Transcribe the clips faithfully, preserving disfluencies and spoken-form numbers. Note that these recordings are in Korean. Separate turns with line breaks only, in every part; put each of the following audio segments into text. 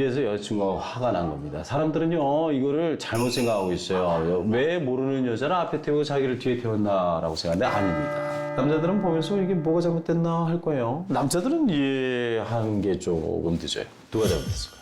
이래서 여자친구가 화가 난 겁니다. 사람들은요, 이거를 잘못 생각하고 있어요. 왜 모르는 여자를 앞에 태우고 자기를 뒤에 태웠나라고 생각하는데 아닙니다. 남자들은 보면서 이게 뭐가 잘못됐나 할 거예요. 남자들은 이해하는 게 조금 늦어요. 누가 잘못했을까요?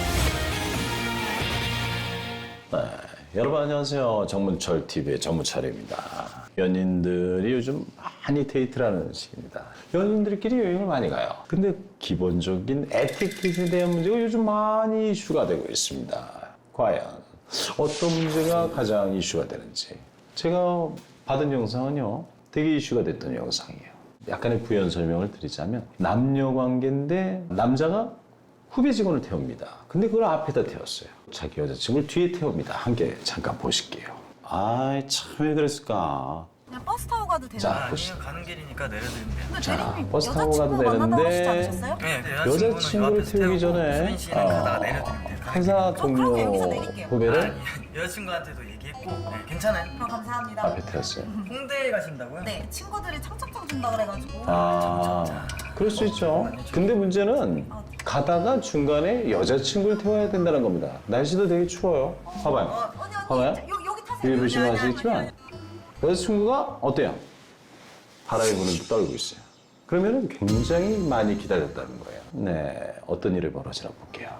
네, 여러분 안녕하세요. 정문철 티비의 정문철입니다. 연인들이 요즘 많이 데이트를 하는 시기입니다. 연인들끼리 여행을 많이 가요. 근데 기본적인 에티켓에 대한 문제가 요즘 많이 이슈가 되고 있습니다. 과연 어떤 문제가 가장 이슈가 되는지. 제가 받은 영상은요, 되게 이슈가 됐던 영상이에요. 약간의 부연 설명을 드리자면 남녀 관계인데 남자가 후배 직원을 태웁니다. 근데 그걸 앞에다 태웠어요. 자기 여자친구를 뒤에 태웁니다. 함께 잠깐 보실게요. 아이, 참 왜 그랬을까?
그냥 버스 타고 가도 되나요?
자,
아니요,
보시죠.
가는 길이니까 내려드리면 돼요.
근데
자,
대리님
버스 타고 가도
여자친구 만나다고 하시지
되는데
않으셨어요?
네,
여자친구를 태우기 전에
수빈 씨는 가다가 내려드리면 돼요. 가는
회사
저 그럼
동료
여기서 내릴게요.
후배를
아니, 여자친구한테도 얘기했고 네, 괜찮아요.
그럼 감사합니다.
앞에 태웠어요.
홍대에 가신다고요?
네, 친구들이 청첩장 준다 그래가지고.
아, 그럴 수 있죠. 근데 문제는 가다가 중간에 여자친구를 태워야 된다는 겁니다. 날씨도 되게 추워요. 봐봐요.
어, 언니 언니
봐봐요.
저, 요, 여기 타세요.
여기 보시면
아니, 아니,
아시겠지만
아니,
여자친구가 어때요? 바람이 부는 듯 떨고 있어요. 그러면 굉장히 많이 기다렸다는 거예요. 네, 어떤 일이 벌어지나 볼게요.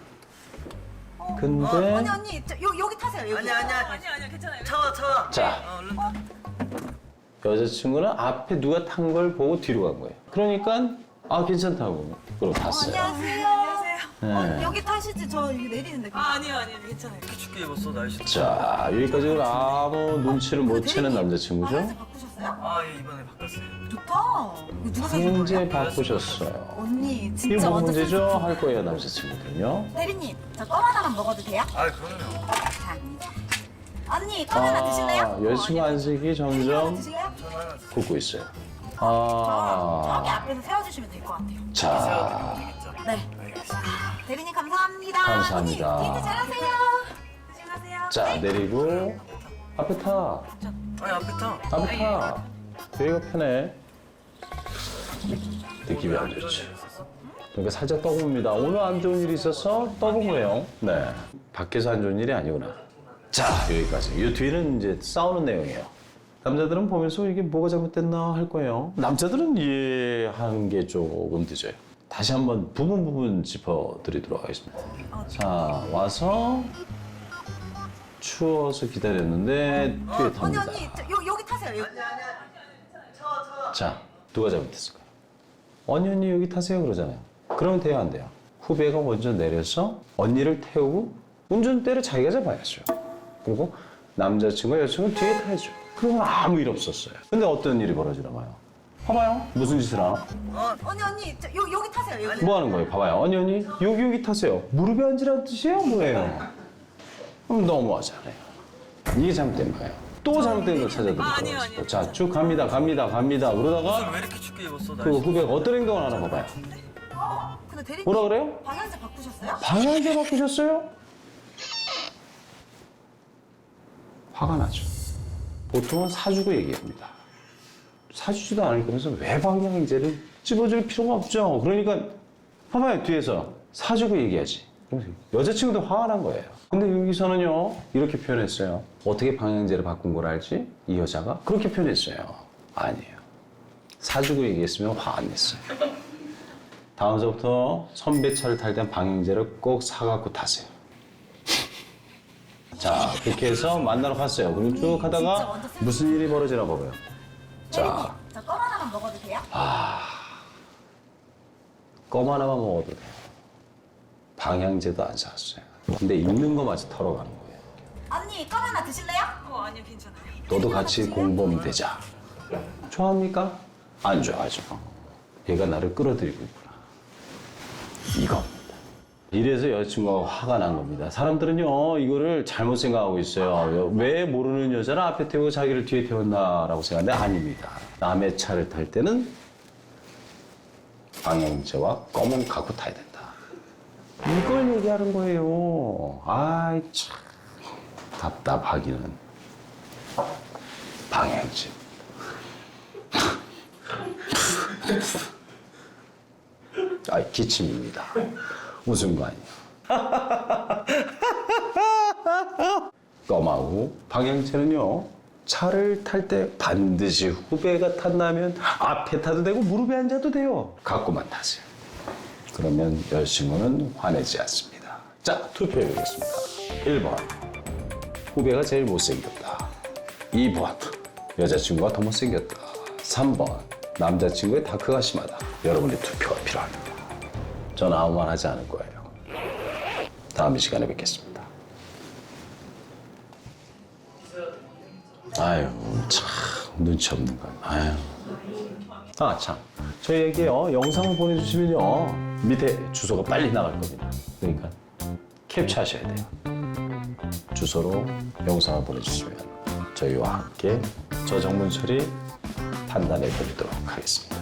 아니.
근데
어, 언니 언니 저, 요, 여기 타세요. 여기.
아니야, 아니야.
아니야 아니야 괜찮아요.
차와, 차와.
자.
어, 얼른 타.
여자친구는 앞에 누가 탄 걸 보고 뒤로 간 거예요. 그러니까 아 괜찮다고 그러고 갔어요.
안녕하세요. 안녕하세요.
네.
어, 여기 타시지 저 여기 내리는데.
아, 아니요, 아니요, 괜찮아요.
이렇게 춥게 입었어, 날씨.
자, 여기까지 아무 눈치를 못 채는 남자친구죠?
방향제 바꾸셨어요?
아, 예, 이번에 바꿨어요.
좋다. 이거 누가 사준
현재
거예요?
바꾸셨어요.
언니
이게
진짜
뭐
완전
문제죠?
센스.
할 거예요, 남자친구들은요.
대리님 저 껌 하나만 먹어도 돼요?
아, 그럼요.
자. 언니 껌 하나 드실래요?
여자친구 안색이
대리님 하나
점점
드실래요?
저는 하나 주세요.
굳고 있어요.
저 저기
아,
앞에서 세워주시면 될 것 같아요.
자,
세워드리면 되겠죠?
네.
알겠습니다.
대리님 감사합니다.
감사합니다.
언니 데이트 잘하세요. 조심하세요.
자, 내리고 앞에 타.
아니, 앞에 타.
앞에 타. 여기가 편해. 느낌이 안 좋죠. 그러니까 살짝 떠봅니다. 오늘 안 좋은 일이 있어서 떠본 거예요. 네. 밖에서 안 좋은 일이 아니구나. 자, 여기까지. 이 뒤는 이제 싸우는 내용이에요. 남자들은 보면서 이게 뭐가 잘못됐나 할 거예요. 남자들은 이해하는 게 조금 늦어요. 다시 한번 부분 부분 짚어드리도록 하겠습니다. 자, 와서 추워서 기다렸는데 뒤에
언니
탑니다.
언니 저, 요, 여기 타세요. 여기.
자, 누가 잘못했을까요? 언니 언니 여기 타세요 그러잖아요. 그러면 돼요 안 돼요? 후배가 먼저 내려서 언니를 태우고 운전대를 자기가 잡아야죠. 그리고 남자친구가 여자친구 뒤에 타야죠. 그러면 아무 일 없었어요. 근데 어떤 일이 벌어지나 봐요. 봐봐요. 무슨 짓을 하나?
언니 언니 저, 요, 여기 타세요. 여기.
뭐 하는 거예요? 봐봐요. 언니 언니 여기 여기 타세요. 무릎에 앉으라는 뜻이에요? 뭐예요? 그럼 너무하잖아요. 이게 잘못된 거예요. 또 잘못된 걸 찾아드리고
아, 아니요, 아니요.
자, 쭉 갑니다. 갑니다. 갑니다.
옷을
그러다가
왜 이렇게 춥게 입었어,
그
날씨.
후배가 어떤 행동을 하나 봐봐요.
근데 대리님
뭐라 그래요?
방향제 바꾸셨어요?
방향제 바꾸셨어요? 화가 나죠. 보통은 사주고 얘기합니다. 사주지도 않을 거면서 왜 방향제를 찝어줄 필요가 없죠. 그러니까 봐봐요, 뒤에서 사주고 얘기하지. 여자친구도 화가 난 거예요. 근데 여기서는요, 이렇게 표현했어요. 어떻게 방향제를 바꾼 걸 알지? 이 여자가 그렇게 표현했어요. 아니에요. 사주고 얘기했으면 화 안 냈어요. 다음서부터 선배 차를 탈 땐 방향제를 꼭 사갖고 타세요. 자, 그렇게 해서 만나러 갔어요. 그리고 쭉
진짜
하다가
완전 센스.
무슨 일이 벌어지나 봐봐요.
대리님
자,
저껌 하나만 먹어도 돼요?
껌 하나만 먹어도 돼요. 방향제도 안 샀어요. 근데 있는 거마저 털어가는 거예요.
언니 껌 하나 드실래요?
어, 아니요, 괜찮아요.
너도 같이 공범 되자. 좋아합니까? 안 좋아하죠. 얘가 나를 끌어들이고 있구나. 이겁니다. 이래서 여자친구가 화가 난 겁니다. 사람들은요, 이거를 잘못 생각하고 있어요. 왜 모르는 여자를 앞에 태우고 자기를 뒤에 태웠나라고 생각하는데 아닙니다. 남의 차를 탈 때는 방향제와 껌은 갖고 타야 된다. 이걸 얘기하는 거예요. 아이, 참. 답답하기는. 방향제. 아, 기침입니다. 웃은 거 아니에요. 껌하고 방향제는요, 차를 탈 때 반드시 후배가 탔나면 앞에 타도 되고 무릎에 앉아도 돼요. 갖고만 타세요. 그러면 여자친구는 화내지 않습니다. 자, 투표해보겠습니다. 일 번, 후배가 제일 못생겼다. 이 번, 여자친구가 더 못생겼다. 삼 번, 남자친구의 다크가 심하다. 여러분의 투표가 필요합니다. 전 아무 말 하지 않을 거예요. 다음 이 시간에 뵙겠습니다. 아유, 참 눈치 없는 거. 아유. 아, 참. 저희에게요, 영상을 보내주시면요, 밑에 주소가 빨리 나갈 겁니다. 그러니까 캡처하셔야 돼요. 주소로 영상을 보내주시면 저희와 함께 저 정문철이 판단해 드리도록 하겠습니다.